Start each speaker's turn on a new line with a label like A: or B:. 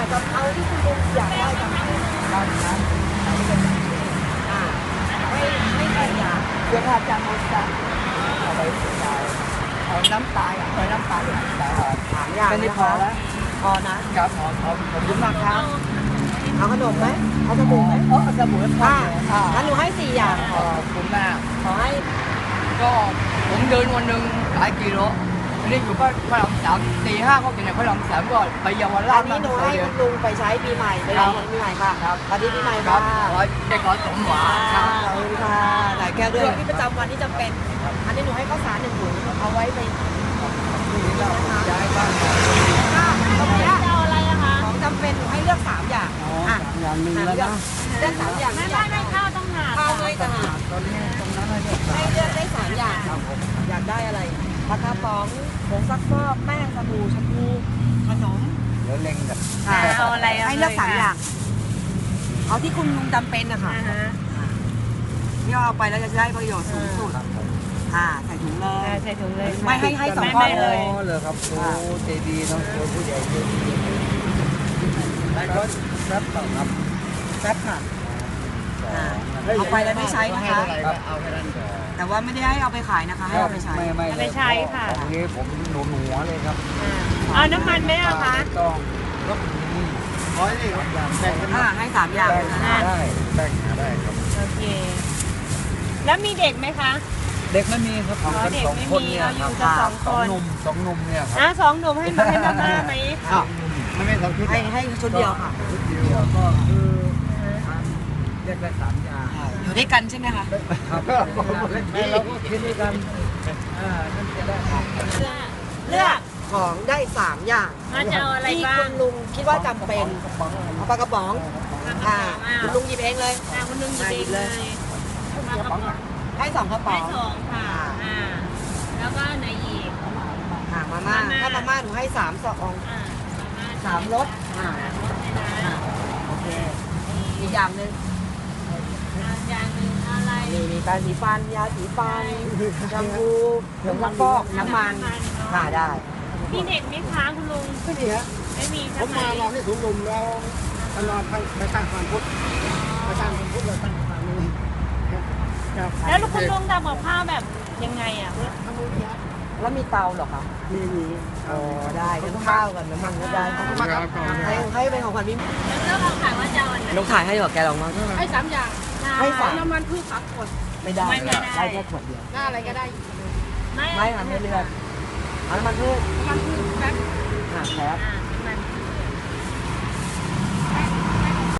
A: กับเอาที่คุณลุงอยากได้จำเป็น
B: ด้านนั้นเราก็จะ
A: ไม่ใส่ยา
B: เสื้อผ้าจานโมจันเอาไปใส่เอาน้ำตาลเอาน้ำตาลแต่
A: ถามอย่าง
B: ไม่พอแล้ว
A: พอนะครับ
B: พอขอบคุณมากครับ
A: เอาขนมไหมเอาสบู่ไหม
B: เอาสบู่พอ
A: งั้นหนูให้4 อย่าง
B: ขอบคุณมาก
A: ขอให้
B: ก็ผมเดินวันหนึ่งหลายกิโลอันนี้อยู่ก็พระรามสามตีห้าก็กินในพระรามสามก็ไปเยาวราช
A: อันนี้หนูให้คุณลุงไปใช้ปีใหม่ไปรอปีใหม่ค่ะสวัสดีปีใหม่ค่ะ
B: ได้ขอสมหวังครับ
A: ขอบคุณค่ะหลายแก้วด้วยที่ประจำวันที่จำเป็นอันนี้หนูให้ข้าวสาร1 ถุงเอาไว้ไป
B: ย้ายบ้าน
A: ตรงนี้เอาอะไรอะคะของจำเป็นหนูให้เลือก3 อย่าง
B: อย่างหนึ่งแล้วนะ
A: เลือก3 อย่าง
C: ไม่ข้าวต้องหา
A: ข้าวไม่ต่างหาก
B: ตอนนี้ตรงนั้น
A: ให้เลือกได้3 อย่างอยากได้อะไรปลากระป๋องผงซักฟอกแป้งสบู่แชมพูขนม
B: แล้วเล็งกับ
C: เอาอะไร
A: ให้เลือก3 อย่างเอาที่คุณลุงจำเป็นนะคะที่เอาไปแล้วจะได้ประโยชน์สูงสุดใส่ถุงเลย
C: ใส่ถุงเลย
A: ไม่ให้2 ก้อน
C: เลย
B: เลยครับโอ้ใจดีน้องเจอผู้ใหญ่ใจดีได้ก็แซ่บต่อครับ
A: แซ่บค่ะเอาไปแล้วไม่ใช้นะคะ
B: เอาแค่นั้นก่อน
A: แต่ว่าไม่ได้ให้เอาไปขายนะคะให้เอาไปใช้
C: ไม่ใช่ค่ะ
B: ของนี้ผมหนูหัวเลยครับ
C: เอาน้ำมันไหมอะคะ
B: ต้องก็มีร้อยนี่แบ่งกัน
A: ให้3 อย่าง
B: ได้แบ่งได้ครับ
C: โอเคแล้วมีเด็กไหมคะ
B: เด็กไม่มีครับ
C: เด็กไม่มีเราอยู่กัน2 คน
B: สองหนุ่มเนี่ยครับ
C: 2 หนุ่มให้ม่าไหม
B: ไม่2 ชุด
A: ให้ชุดเดียวค่ะ
B: ชุดเดียวก็คือเรียกได้3 อย่าง
A: อยู่ด้วยกันใช่ไหมคะ
B: ครับเราก็คิดด้วยกันนั่นจะได้
A: เลือกของได้3 อย่างที่คุณลุงคิดว่าจำเป็นเอาปลากระป๋องคุณลุงหยิบเองเลย
C: คุณลุงหยิบเองเลย
A: ให้2 กระป๋อง
C: ค่ะแล้วก็ไหนอีก
A: มาม่าถ้ามาม่าหนูให้3 ซอง3 รสโอเคอีกอย่างหนึ่ง
C: อะไร
A: มีแปรงสีฟันยาสีฟันแชมพูผงซักฟอกน้ำมันได้
C: มีเด็กไหมคะคุณลุง
B: ไม่มีฮะ
C: ไม่มี
B: ผมมาลองที่ถุงลมแล้วตลอดไปตั้งความพุทธไปตั้งความพุทธเราตั้งความนี้
C: แล้วคุณลุงทำกับข้าวแบบยังไงอ่ะ
A: แล้วมีเตาเหรอคะ
B: มี
A: ได้ทั้งข้าวกับน้ำมันก็ได้ให้เป็นของขวัญพี่
C: แล้วเราขายว่าจะวันไหน
A: ลูกถ่ายให้หรอแกลองมา
C: ให้3 อย่าง
A: ให้3
C: น้ำมันพืชผักผล
A: ไม่ได้ได้แค่ขวดเดียว
C: หน้าอะไรก็ได้
A: ไม่ค่ะไม่เลือกน้ำมันพืช
C: แป๊บ
A: แป๊บ